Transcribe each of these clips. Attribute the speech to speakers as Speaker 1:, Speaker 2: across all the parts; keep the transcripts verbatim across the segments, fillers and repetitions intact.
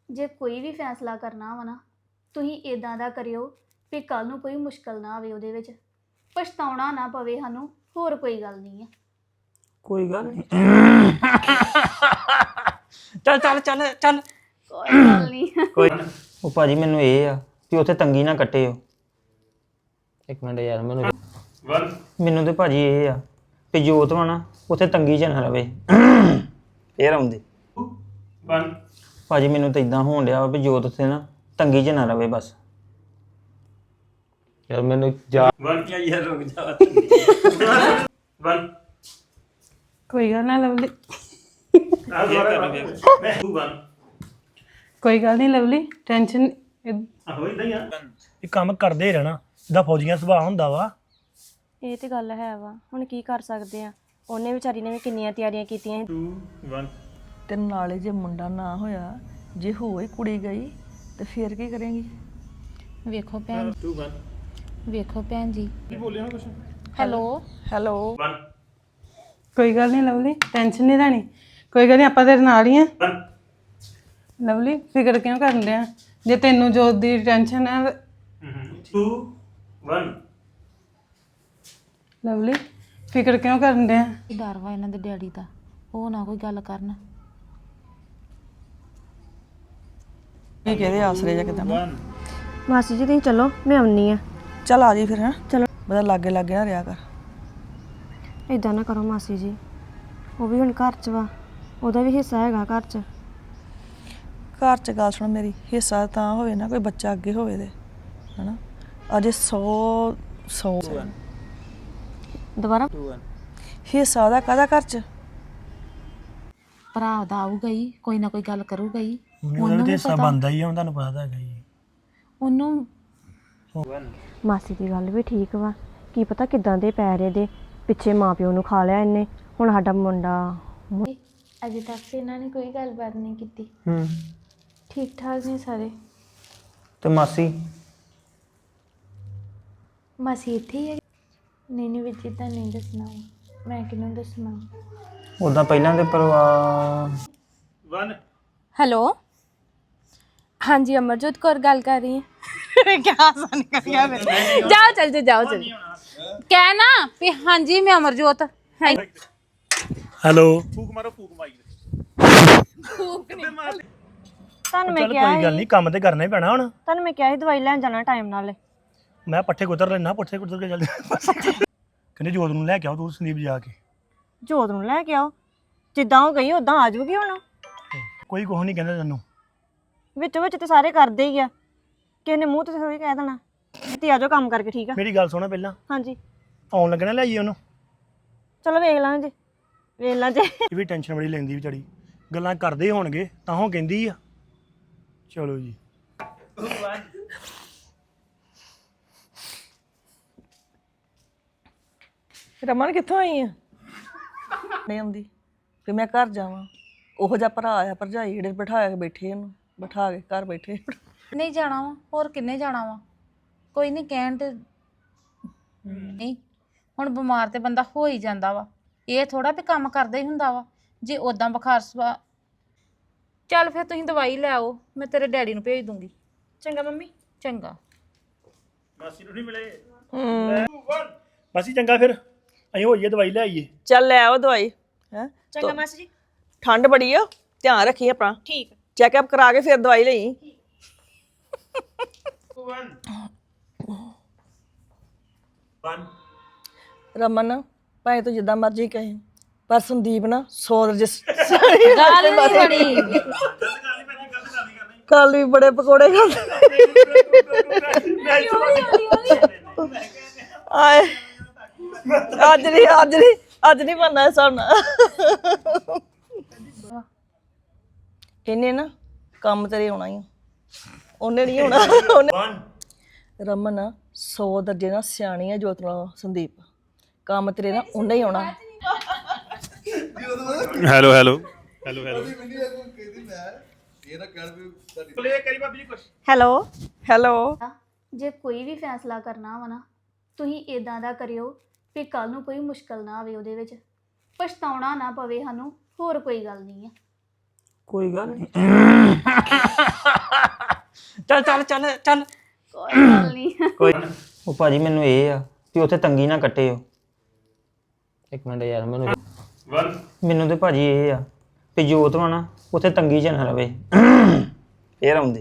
Speaker 1: ਜੇ ਕੋਈ ਵੀ ਫੈਸਲਾ ਕਰਨਾ ਵਾ ਨਾ ਤੁਸੀਂ ਇਦਾਂ ਦਾ ਕਰਿਓ ਵੀ ਕੱਲ ਨੂੰ ਕੋਈ ਮੁਸ਼ਕਲ ਨਾ ਆਵੇ ਉਹਦੇ ਵਿੱਚ ਪਛਤਾਉਣਾ ਨਾ ਪਵੇ ਸਾਨੂੰ ਹੋਰ ਕੋਈ ਗੱਲ ਨਹੀਂ ਆ
Speaker 2: ਕੋਈ ਗੱਲ ਨਹੀਂ ਚੱਲ ਚੱਲ ਚੱਲ ਚੱਲ
Speaker 1: ਕੋਈ ਗੱਲ ਨਹੀਂ
Speaker 2: ਕੋਈ ਉਹ ਭਾਜੀ ਮੈਨੂੰ ਇਹ ਆ ਕਿ ਉੱਥੇ ਤੰਗੀ ਨਾ ਕੱਟਿਓ ਇੱਕ ਮਿੰਟ ਯਾਰ ਮੈਨੂੰ ਮੈਨੂੰ ਤੇ ਭਾਜੀ ਇਹ ਆ ਕਿ ਜੋਤ ਵਾ ਨਾ ਉੱਥੇ ਤੰਗੀ ਚ ਨਾ ਰਵੇ ਫੇਰ ਆਉਂਦੇ ਭਾਜੀ ਮੈਨੂੰ ਤਾਂ ਇਦਾਂ ਹੋਣ ਡਿਆ ਵੀ ਜੋਤ ਉੱਥੇ ਨਾ ਤੰਗੀ ਚ ਨਾ ਰਵੇ ਬਸ ਯਾਰ ਮੈਨੂੰ ਜਾ ਯਾਰ ਰੁਕ ਜਾ
Speaker 3: ਕੋਈ ਗੱਲ ਨਾ ਲਵਲੀ ਕੋਈ ਗੱਲ ਨਹੀਂ ਲਵਲੀ ਟੈਨਸ਼ਨ
Speaker 4: ਇਹ ਕੰਮ ਕਰਦੇ ਰਹਿਣਾ ਜਿੱਦਾਂ ਫੌਜੀਆਂ ਸੁਭਾਅ ਹੁੰਦਾ ਵਾ
Speaker 5: ਇਹ ਤੇ ਗੱਲ ਹੈ ਵਾ ਹੁਣ ਕੀ ਕਰ ਸਕਦੇ ਆ ਉਹਨੇ ਵਿਚਾਰੀ ਨੇ ਵੀ ਕਿੰਨੀਆਂ ਤਿਆਰੀਆਂ ਕੀਤੀਆਂ
Speaker 6: ਤੇ ਨਾਲੇ ਜੇ ਮੁੰਡਾ ਨਾ ਹੋਇਆ ਜੇ ਹੋਏ ਕੁੜੀ ਗਈ ਤੇ ਫੇਰ ਕੀ ਕਰੇਂਗੀ
Speaker 7: ਵੇਖੋ ਭੈਣ ਵੇਖੋ ਭੈਣ ਜੀ ਕੀ ਬੋਲਿਆ ਨਾ ਕੁਛ ਹੈਲੋ
Speaker 6: ਹੈਲੋ
Speaker 3: ਕੋਈ ਗੱਲ ਨਹੀਂ ਲਵਲੀ ਟੈਨਸ਼ਨ ਨਹੀਂ ਲੈਣੀ ਕੋਈ ਗੱਲ ਨਹੀਂ ਆਪਾਂ ਤੇਰੇ ਨਾਲ ਹੀ ਆ ਲਵਲੀ ਫਿਕਰ ਕਿਉਂ ਕਰਨ ਡਿਆ ਜੇ ਤੈਨੂੰ ਜੋਤ ਦੀ ਟੈਨਸ਼ਨ ਹੈ
Speaker 4: ਟੂ ਵਨ
Speaker 3: ਲਵਲੀ ਫਿਕਰ ਕਿਉਂ ਕਰਨ ਡਿਆ
Speaker 7: ਡਰ ਵਾ ਇਹਨਾਂ ਦੇ ਡੈਡੀ ਦਾ ਉਹ ਨਾ ਕੋਈ ਗੱਲ ਕਰਨ
Speaker 6: ਕੀ ਕਹਦੇ ਆਸਰੇ ਜਾਂ ਕਿਦਾਂ
Speaker 5: ਮਾਸੀ ਜੀ ਤੁਸੀਂ ਚਲੋ ਮੈਂ ਆਉਣੀ ਆ
Speaker 6: ਚੱਲ ਆ ਜੀ ਫਿਰ ਹੈ
Speaker 5: ਚਲੋ
Speaker 6: ਬਦਾ ਲਾਗੇ ਲਾਗੇ ਨਾ ਰਿਹਾ ਕਰ
Speaker 5: ਇਦਾਂ ਨਾ ਕਰੋ ਮਾਸੀ ਜੀ ਉਹ ਵੀ ਹੁਣ ਘਰ 'ਚ ਵਾ ਉਹਦਾ ਵੀ ਹਿੱਸਾ ਹੈਗਾ ਘਰ 'ਚ
Speaker 6: ਘਰ 'ਚ ਗੱਲ ਸੁਣ ਮੇਰੀ ਹਿੱਸਾ ਤਾਂ ਹੋਵੇ ਨਾ ਕੋਈ ਬੱਚਾ ਅੱਗੇ ਹੋਵੇ ਤੇ ਹਨਾ ਅਜੇ ਸੌ ਸੌ
Speaker 5: ਦੁਬਾਰਾ
Speaker 6: ਹਿੱਸਾ ਉਹਦਾ ਕਾਹਦਾ ਘਰ 'ਚ
Speaker 7: ਭਰਾ ਦਾ ਆਊਗਾ ਹੀ ਕੋਈ ਨਾ ਕੋਈ ਗੱਲ ਕਰੂਗਾ ਹੀ
Speaker 4: ਉਹਦਾ ਤੇ ਹਿੱਸਾ ਬਣਦਾ ਹੀ ਆ ਹੁਣ ਤੁਹਾਨੂੰ ਪਤਾ ਤਾਂ ਹੈਗਾ ਹੀ
Speaker 7: ਉਹਨੂੰ
Speaker 5: ਮਾਸੀ ਦੀ ਗੱਲ ਵੀ ਠੀਕ ਵਾ ਕੀ ਪਤਾ ਕਿਦਾਂ ਦੇ ਪੈਰੇ ਦੇ ਪਿੱਛੇ ਮਾਪਿਓ ਨੂੰ ਖਾ ਲਿਆ ਇਹਨੇ ਹੁਣ ਸਾਡਾ ਮੁੰਡਾ
Speaker 1: ਅਜੇ ਤੱਕ ਤੇ ਇਹਨਾਂ ਨੇ ਕੋਈ ਗੱਲਬਾਤ ਨਹੀਂ ਕੀਤੀ
Speaker 2: ਹੂੰ
Speaker 1: ਠੀਕ ਠਾਕ ਨੇ ਸਾਰੇ
Speaker 2: ਤੇ ਮਾਸੀ
Speaker 1: ਮਾਸੀ ਇੱਥੇ ਹੀ ਹੈ ਨਹੀਂ ਨਹੀਂ ਵਿੱਚ ਤਾਂ ਨਹੀਂ ਦੱਸਣਾ ਮੈਂ ਕਿਹਨੂੰ ਦੱਸਣਾ
Speaker 2: ਉਦਾਂ ਪਹਿਲਾਂ ਦੇ ਪਰਿਵਾਰ
Speaker 4: ਵਨ
Speaker 5: ਹੈਲੋ ਹਾਂਜੀ ਅਮਰਜੋਤ ਕੌਰ ਗੱਲ ਕਰ ਰਹੀ ਹੈ
Speaker 3: ਕੀ ਆਸਾਨ ਕਰ ਗਿਆ ਮੇਰੇ
Speaker 7: ਜਾਓ ਚੱਲ ਜਾ ਜਾਓ ਚੱਲ ਕਹਿ ਨਾ ਵੀ ਹਾਂਜੀ ਮੈਂ ਅਮਰਜੋਤ ਹੈ
Speaker 4: ਹੈਲੋ
Speaker 5: ਤੁਹਾਨੂੰ ਮੈਂ
Speaker 4: ਚੱਲ
Speaker 5: ਕਿਹਾ
Speaker 4: ਕੋਈ ਗੱਲ ਨਹੀਂ ਕੰਮ ਤੇ ਕਰਨਾ ਹੀ ਪੈਣਾ ਹੁਣ
Speaker 5: ਤੁਹਾਨੂੰ ਮੈਂ ਕਿਹਾ ਸੀ ਦਵਾਈ ਲੈਣ ਜਾਣਾ ਟਾਈਮ ਨਾਲ
Speaker 4: ਮੈਂ ਪੱਠੇ ਕੁਤਰ ਲੈਣਾ ਪੱਠੇ ਕੁਤਰ ਕੇ ਚੱਲ ਕਹਿੰਦੇ ਜੋਤ ਨੂੰ ਲੈ ਕੇ ਆਓ ਤੂੰ ਸੰਦੀਪ ਜਾ ਕੇ
Speaker 5: ਜੋਤ ਨੂੰ ਲੈ ਕੇ ਆਓ ਜਿੱਦਾਂ ਉਹ ਗਈ ਉਦਾਂ ਆ ਜਾਊਗੀ ਹੁਣ
Speaker 4: ਕੋਈ ਕੁਛ ਨਹੀਂ ਕਹਿੰਦਾ ਤੈਨੂੰ
Speaker 5: ਵਿੱਚ ਵਿੱਚ ਤੇ ਸਾਰੇ ਕਰਦੇ ਹੀ ਆ ਕਿਸੇ ਨੇ ਮੂੰਹ ਤੇ ਥੋੜੀ ਕਹਿ ਦੇਣਾ ਤੇ ਆ ਜਾਓ ਕੰਮ ਕਰਕੇ ਠੀਕ ਆ
Speaker 4: ਮੇਰੀ ਗੱਲ ਸੁਣੋ ਪਹਿਲਾਂ
Speaker 5: ਹਾਂਜੀ
Speaker 4: ਆਉਣ ਲੱਗਣਾ ਲੈ ਆਈਏ ਉਹਨੂੰ
Speaker 5: ਚਲੋ ਵੇਖ ਲਾਂਗੇ ਜੀ ਵੇਖ ਲਾਂ ਜੇ
Speaker 4: ਇਹ ਵੀ ਟੈਨਸ਼ਨ ਬੜੀ ਲੈਂਦੀ ਵਿਚਾਰੀ ਗੱਲਾਂ ਕਰਦੇ ਹੋਣਗੇ ਤਾਂ ਉਹ ਕਹਿੰਦੀ ਆ ਚਲੋ ਜੀ
Speaker 6: ਰਮਨ ਕਿੱਥੋਂ ਆਈ ਆ ਨਹੀਂ ਆਉਂਦੀ ਫਿਰ ਮੈਂ ਘਰ ਜਾਵਾਂ ਉਹੋ ਜਿਹਾ ਭਰਾ ਆ ਭਰਜਾਈ ਜਿਹੜੇ ਬਿਠਾ ਕੇ ਬੈਠੇ ਇਹਨੂੰ ਬਿਠਾ ਕੇ ਘਰ ਬੈਠੇ
Speaker 7: ਨਹੀਂ ਜਾਣਾ ਵਾ ਹੋਰ ਕਿੰਨੇ ਜਾਣਾ ਵਾ ਕੋਈ ਨਹੀਂ ਕਹਿਣ ਤੇ ਨਹੀਂ ਹੁਣ ਬਿਮਾਰ ਤੇ ਬੰਦਾ ਹੋ ਹੀ ਜਾਂਦਾ ਵਾ ਇਹ ਥੋੜਾ ਵੀ ਕੰਮ ਕਰਦਾ ਹੀ ਹੁੰਦਾ ਵਾ ਜੇ ਉਦਾਂ ਬੁਖਾਰ ਸਵਾ ਚੱਲ ਫਿਰ ਤੁਸੀਂ ਦਵਾਈ ਲੈ ਆਓ ਮੈਂ ਤੇਰੇ ਡੈਡੀ ਨੂੰ ਭੇਜ ਦੂੰਗੀ
Speaker 5: ਚੰਗਾ ਮੰਮੀ
Speaker 7: ਚੰਗਾ
Speaker 4: ਮਾਸੀ ਨੂੰ ਨਹੀਂ ਮਿਲੇ ਮਾਸੀ ਚੰਗਾ ਫਿਰ ਅਸੀਂ ਹੋਈਏ ਦਵਾਈ ਲੈ ਆਈਏ
Speaker 6: ਚੱਲ ਲੈ ਆਓ ਦਵਾਈ ਹੈ
Speaker 5: ਚੰਗਾ ਮਾਸੀ ਜੀ
Speaker 6: ਠੰਡ ਬੜੀ ਆ ਧਿਆਨ ਰੱਖੀ ਆਪਣਾ
Speaker 5: ਠੀਕ
Speaker 6: ਚੈੱਕਅਪ ਕਰਾ ਕੇ ਫਿਰ ਦਵਾਈ ਲਈ ਰਮਨ ਭਾਵੇਂ ਤੂੰ ਜਿੱਦਾਂ ਮਰਜ਼ੀ ਕਹੇ ਪਰ ਸੰਦੀਪ ਨਾ ਸੌ ਰਜਿਸ
Speaker 7: ਗੱਲ ਨਹੀਂ ਬਣੀ
Speaker 6: ਕੱਲ ਵੀ ਬੜੇ ਪਕੌੜੇ ਖਾਂਦੇ ਆਏ ਅੱਜ ਨਹੀਂ ਅੱਜ ਨਹੀਂ ਅੱਜ ਨਹੀਂ ਬਣਨਾ ਸਾਡਾ ਇਹਨੇ ਨਾ ਕੰਮ ਤੇਰੇ ਆਉਣਾ ਹੀ ਉਹਨੇ ਨਹੀਂ ਆਉਣਾ ਉਹਨੇ ਰਮਨ ਸੌ ਦਰਜੇ ਨਾਲ ਸਿਆਣੀ ਹੈ ਜੋਤ ਨਾਲ ਸੰਦੀਪ ਕੰਮ ਤੇਰੇ ਨਾਲ ਉਹਨੇ ਹੀ ਆਉਣਾ
Speaker 8: hello hello hello hello
Speaker 5: hello
Speaker 6: hello
Speaker 1: ਜੇ ਕੋਈ ਵੀ ਫੈਸਲਾ ਕਰਨਾ ਵਾ ਨਾ ਤੁਸੀਂ ਇਦਾਂ ਦਾ ਕਰਿਓ ਵੀ ਕੱਲ ਨੂੰ ਕੋਈ ਮੁਸ਼ਕਲ ਨਾ ਆਵੇ ਉਹਦੇ ਵਿੱਚ ਪਛਤਾਉਣਾ ਨਾ ਪਵੇ ਸਾਨੂੰ ਹੋਰ ਕੋਈ ਗੱਲ ਨਹੀਂ ਆ
Speaker 2: ਕੋਈ ਗੱਲ ਨਹੀਂ ਚੱਲ ਚੱਲ ਚੱਲ ਚੱਲ
Speaker 1: ਕੋਈ ਗੱਲ ਨਹੀਂ
Speaker 2: ਕੋਈ ਉਹ ਭਾਜੀ ਮੈਨੂੰ ਇਹ ਆ ਕਿ ਉੱਥੇ ਤੰਗੀ ਨਾ ਕੱਟਿਓ ਇੱਕ ਮਿੰਟ ਯਾਰ ਮੈਨੂੰ ਮੈਨੂੰ ਤੇ ਭਾਜੀ ਇਹ ਆ ਕਿ ਜੋਤ ਵਾ ਨਾ ਉੱਥੇ ਤੰਗੀ 'ਚ ਨਾ ਰਵੇ ਇਹ ਆਉਂਦੇ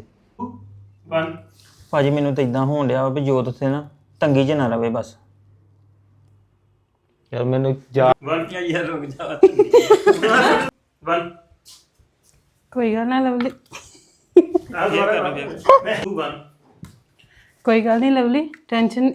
Speaker 2: ਭਾਜੀ ਮੈਨੂੰ ਤਾਂ ਇਦਾਂ ਹੋਣ ਡਿਆ ਵੀ ਜੋਤ ਉੱਥੇ ਨਾ ਤੰਗੀ 'ਚ ਨਾ ਰਵੇ ਬਸ ਯਾਰ ਮੈਨੂੰ ਜਾ ਯਾਰ ਰੁਕ ਜਾ
Speaker 3: ਕੋਈ ਗੱਲ ਨਾ ਲਵਲੀ ਕੋਈ ਗੱਲ ਨਹੀਂ ਲਵਲੀ ਟੈਨਸ਼ਨ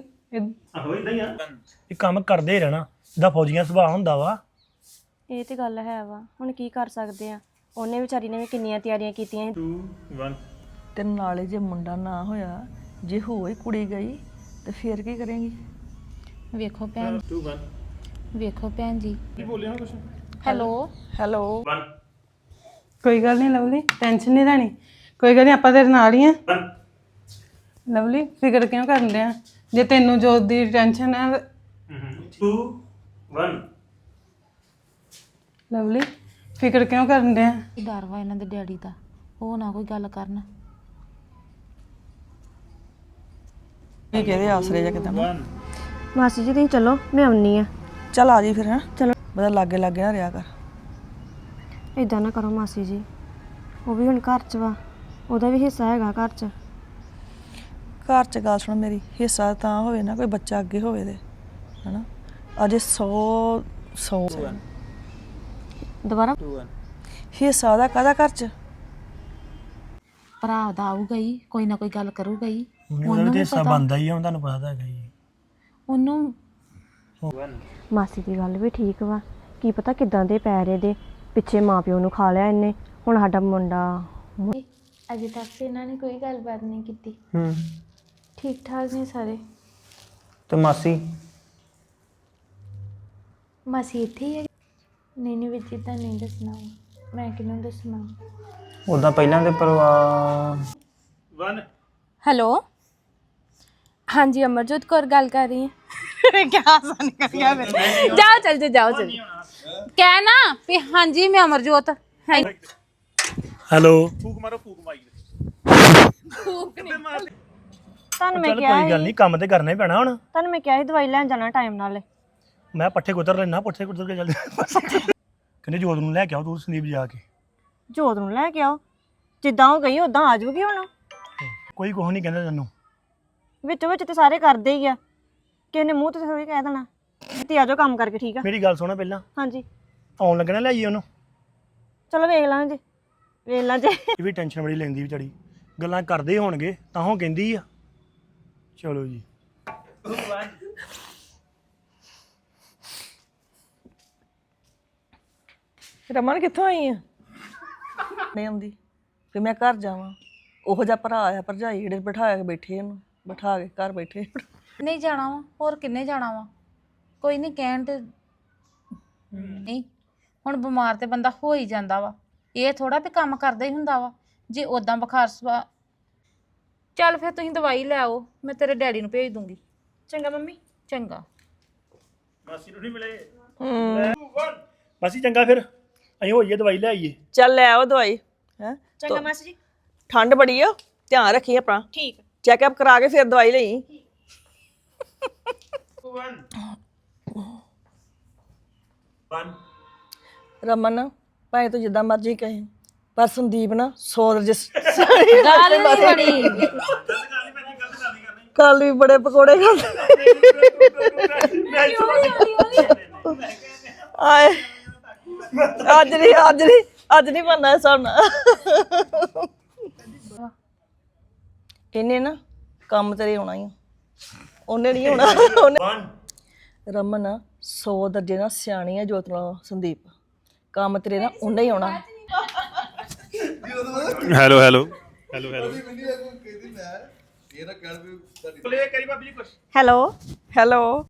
Speaker 4: ਇਹ ਕੰਮ ਕਰਦੇ ਰਹਿਣਾ ਇਹਦਾ ਫੌਜੀਆਂ ਸੁਭਾਅ ਹੁੰਦਾ ਵਾ
Speaker 5: ਇਹ ਤੇ ਗੱਲ ਹੈ ਵਾ ਹੁਣ ਕੀ ਕਰ ਸਕਦੇ ਆ ਉਹਨੇ ਵਿਚਾਰੀ ਨੇ ਵੀ ਕਿੰਨੀਆਂ ਤਿਆਰੀਆਂ ਕੀਤੀਆਂ ਸੀ।
Speaker 6: ਤੇ ਨਾਲੇ ਜੇ ਮੁੰਡਾ ਨਾ ਹੋਇਆ ਜੇ ਹੋਈ ਕੁੜੀ ਗਈ ਤੇ ਫੇਰ ਕੀ ਕਰੇਂਗੀ
Speaker 7: ਵੇਖੋ ਭੈਣ ਵੇਖੋ ਭੈਣ ਜੀ ਕੀ ਬੋਲਿਆ ਕੁਛ ਹੈਲੋ
Speaker 6: ਹੈਲੋ
Speaker 3: ਕੋਈ ਗੱਲ ਨਹੀਂ ਲਵਲੀ ਟੈਨਸ਼ਨ ਨਹੀਂ ਲੈਣੀ ਕੋਈ ਗੱਲ ਨਹੀਂ ਆਪਾਂ ਤੇਰੇ ਨਾਲ ਹੀ ਆ ਲਵਲੀ ਫਿਕਰ ਕਿਉਂ ਕਰਨ ਡਿਆ ਜੇ ਤੈਨੂੰ ਜੋਤ ਦੀ ਟੈਨਸ਼ਨ ਹੈ ਲਵਲੀ ਫਿਕਰ ਕਿਉਂ ਕਰਨ ਡਿਆ
Speaker 7: ਡਰ ਵਾ ਇਹਨਾਂ ਦੇ ਡੈਡੀ ਦਾ ਉਹ ਨਾ ਕੋਈ ਗੱਲ ਕਰਨ
Speaker 6: ਇਹ ਕਿਹਦੇ ਆਸਰੇ ਜਾਂ ਕਿਦਾਂ
Speaker 5: ਮਾਸੀ ਜੀ ਤੁਸੀਂ ਚਲੋ ਮੈਂ ਆਉਣੀ ਆ
Speaker 6: ਚੱਲ ਆ ਜੀ ਫਿਰ ਹੈ
Speaker 5: ਚਲੋ
Speaker 6: ਬਦਾ ਲਾਗੇ ਲਾਗੇ ਨਾ ਰਿਹਾ ਕਰ
Speaker 5: ਇਦਾਂ ਨਾ ਕਰੋ ਮਾਸੀ ਜੀ ਉਹ ਵੀ ਹੁਣ ਘਰ 'ਚ ਵਾ ਉਹਦਾ ਵੀ ਹਿੱਸਾ ਹੈਗਾ ਘਰ 'ਚ
Speaker 6: ਘਰ 'ਚ ਗੱਲ ਸੁਣ ਮੇਰੀ ਹਿੱਸਾ ਤਾਂ ਹੋਵੇ ਨਾ ਕੋਈ ਬੱਚਾ ਅੱਗੇ ਹੋਵੇ ਤੇ ਹਨਾ ਅਜੇ ਸੌ ਸੌ
Speaker 5: ਦੁਬਾਰਾ
Speaker 6: ਹਿੱਸਾ ਉਹਦਾ ਕਾਹਦਾ ਘਰ 'ਚ
Speaker 7: ਭਰਾ ਦਾ ਆਊਗਾ ਹੀ ਕੋਈ ਨਾ ਕੋਈ ਗੱਲ ਕਰੂਗਾ ਹੀ
Speaker 4: ਉਹਨੂੰ ਤੇ ਹਿੱਸਾ ਬਣਦਾ ਹੀ ਆ ਤੁਹਾਨੂੰ ਪਤਾ ਤਾਂ ਹੈਗਾ ਹੀ
Speaker 7: ਉਹਨੂੰ
Speaker 5: ਮਾਸੀ ਦੀ ਗੱਲ ਵੀ ਠੀਕ ਵਾ ਕੀ ਪਤਾ ਕਿਦਾਂ ਦੇ ਪੈਰੇ ਦੇ ਪਿੱਛੇ ਮਾਪਿਓ ਨੂੰ ਖਾ ਲਿਆ ਇਹਨੇ ਹੁਣ ਸਾਡਾ ਮੁੰਡਾ
Speaker 1: ਅਜੇ ਤੱਕ ਤੇ ਇਹਨਾਂ ਨੇ ਕੋਈ ਗੱਲਬਾਤ ਨਹੀਂ ਕੀਤੀ
Speaker 2: ਹੂੰ
Speaker 1: ਠੀਕ ਠਾਕ ਨੇ ਸਾਰੇ
Speaker 2: ਤੇ ਮਾਸੀ
Speaker 1: ਮਾਸੀ ਇੱਥੇ ਹੀ ਹੈ ਨਹੀਂ ਨਹੀਂ ਵਿੱਚ ਤਾਂ ਨਹੀਂ ਦੱਸਣਾ ਮੈਂ ਕਿਹਨੂੰ ਦੱਸਣਾ
Speaker 2: ਉਦਾਂ ਪਹਿਲਾਂ ਦੇ ਪਰਿਵਾਰ
Speaker 9: ਹੈਲੋ ਹਾਂਜੀ ਅਮਰਜੋਤ ਕੌਰ ਗੱਲ ਕਰ ਰਹੀ ਹੈ ਕੀ ਆਸਾਨ ਕਰਿਆ ਫਿਰ ਜਾਓ ਚੱਲ ਜਾ ਜਾਓ ਚੱਲ
Speaker 7: ਕਹਿ ਨਾ ਵੀ ਹਾਂਜੀ ਮੈਂ ਅਮਰਜੋਤ ਹੈ
Speaker 4: ਹੈਲੋ
Speaker 5: ਤੁਹਾਨੂੰ ਮੈਂ
Speaker 4: ਚੱਲ
Speaker 5: ਕਿਹਾ
Speaker 4: ਕੋਈ ਗੱਲ ਨਹੀਂ ਕੰਮ ਤੇ ਕਰਨਾ ਹੀ ਪੈਣਾ ਹੁਣ
Speaker 5: ਤੁਹਾਨੂੰ ਮੈਂ ਕਿਹਾ ਸੀ ਦਵਾਈ ਲੈਣ ਜਾਣਾ ਟਾਈਮ ਨਾਲ
Speaker 4: ਮੈਂ ਪੱਠੇ ਕੁਤਰ ਲੈਣਾ ਪੱਠੇ ਕੁਤਰ ਕੇ ਚੱਲ ਕਹਿੰਦੇ ਜੋਤ ਨੂੰ ਲੈ ਕੇ ਆਓ ਤੂੰ ਸੰਦੀਪ ਜਾ ਕੇ
Speaker 5: ਜੋਤ ਨੂੰ ਲੈ ਕੇ ਆਓ ਜਿੱਦਾਂ ਉਹ ਗਈ ਉਦਾਂ ਆ ਜਾਊਗੀ ਹੁਣ
Speaker 4: ਕੋਈ ਕੁਛ ਨਹੀਂ ਕਹਿੰਦਾ ਤੈਨੂੰ
Speaker 5: ਵਿੱਚੋਂ ਵਿੱਚ ਤੇ ਸਾਰੇ ਕਰਦੇ ਹੀ ਆ ਕਿਸੇ ਨੇ ਮੂੰਹ ਤੇ ਥੋੜੀ ਕਹਿ ਦੇਣਾ ਤੇ ਆ ਜਾਓ ਕੰਮ ਕਰਕੇ ਠੀਕ ਆ
Speaker 4: ਮੇਰੀ ਗੱਲ ਸੁਣਾ ਪਹਿਲਾਂ
Speaker 5: ਹਾਂਜੀ
Speaker 4: ਆਉਣ ਲੱਗਣਾ ਲੈ ਆਈਏ ਉਹਨੂੰ
Speaker 5: ਚਲੋ ਵੇਖ ਲਾਂਗੇ ਵੇਖ ਲਾਂ ਜੇ
Speaker 4: ਇਹ ਵੀ ਟੈਨਸ਼ਨ ਬੜੀ ਲੈਂਦੀ ਵਿਚਾਰੀ ਗੱਲਾਂ ਕਰਦੇ ਹੋਣਗੇ ਤਾਂ ਉਹ ਕਹਿੰਦੀ ਆ ਚਲੋ ਜੀ
Speaker 6: ਰਮਨ ਕਿੱਥੋਂ ਆਈ ਆ ਨਹੀਂ ਆਉਂਦੀ ਫਿਰ ਮੈਂ ਘਰ ਜਾਵਾਂ ਉਹੋ ਜਿਹਾ ਭਰਾ ਆ ਭਰਜਾਈ ਜਿਹੜੇ ਬਿਠਾ ਕੇ ਬੈਠੇ ਇਹਨੂੰ ਬਿਠਾ ਕੇ ਘਰ ਬੈਠੇ
Speaker 7: ਨਹੀਂ ਜਾਣਾ ਵਾ ਹੋਰ ਕਿੰਨੇ ਜਾਣਾ ਵਾ ਕੋਈ ਨਹੀਂ ਕਹਿਣ ਤੇ ਨਹੀਂ ਹੁਣ ਬਿਮਾਰ ਤੇ ਬੰਦਾ ਹੋ ਹੀ ਜਾਂਦਾ ਵਾ ਇਹ ਥੋੜਾ ਵੀ ਕੰਮ ਕਰਦਾ ਹੀ ਹੁੰਦਾ ਵਾ ਜੇ ਉਦਾਂ ਬੁਖਾਰ ਸਵਾ ਚੱਲ ਫਿਰ ਤੁਸੀਂ ਦਵਾਈ ਲੈ ਆਓ ਮੈਂ ਤੇਰੇ ਡੈਡੀ ਨੂੰ ਭੇਜ ਦੂੰਗੀ
Speaker 5: ਚੰਗਾ ਮੰਮੀ
Speaker 7: ਚੰਗਾ
Speaker 4: ਮਾਸੀ ਨੂੰ ਨਹੀਂ ਮਿਲੇ ਮਾਸੀ ਚੰਗਾ ਫਿਰ ਅਸੀਂ ਹੋਈਏ ਦਵਾਈ ਲੈ ਆਈਏ
Speaker 6: ਚੱਲ ਲੈ ਆਓ ਦਵਾਈ ਹੈ
Speaker 5: ਚੰਗਾ ਮਾਸੀ ਜੀ
Speaker 6: ਠੰਡ ਬੜੀ ਆ ਧਿਆਨ ਰੱਖੀ ਆਪਣਾ
Speaker 5: ਠੀਕ
Speaker 6: ਚੈੱਕਅਪ ਕਰਾ ਕੇ ਫਿਰ ਦਵਾਈ ਲਈ ਰਮਨ ਭਾਵੇਂ ਤੂੰ ਜਿੱਦਾਂ ਮਰਜ਼ੀ ਕਹੇ ਪਰ ਸੰਦੀਪ ਨਾ ਸੌ ਰਜਿਸ
Speaker 7: ਗੱਲ ਨਹੀਂ ਬਣੀ
Speaker 6: ਕੱਲ ਵੀ ਬੜੇ ਪਕੌੜੇ ਖਾਂਦੇ ਆਏ ਅੱਜ ਨਹੀਂ ਅੱਜ ਨਹੀਂ ਅੱਜ ਨਹੀਂ ਬਣਨਾ ਸਾਡਾ ਇਹਨੇ ਨਾ ਕੰਮ ਤੇਰੇ ਆਉਣਾ ਹੀ ਉਹਨੇ ਨਹੀਂ ਆਉਣਾ ਉਹਨੇ ਰਮਨ ਸੌ ਦਰਜੇ ਨਾਲ ਸਿਆਣੀ ਆ ਜੋਤ ਨਾਲ ਸੰਦੀਪ ਕੰਮ ਤੇਰੇ ਨਾਲ ਉਹਨੇ ਹੀ ਆਉਣਾ
Speaker 8: hello hello hello hello
Speaker 6: hello hello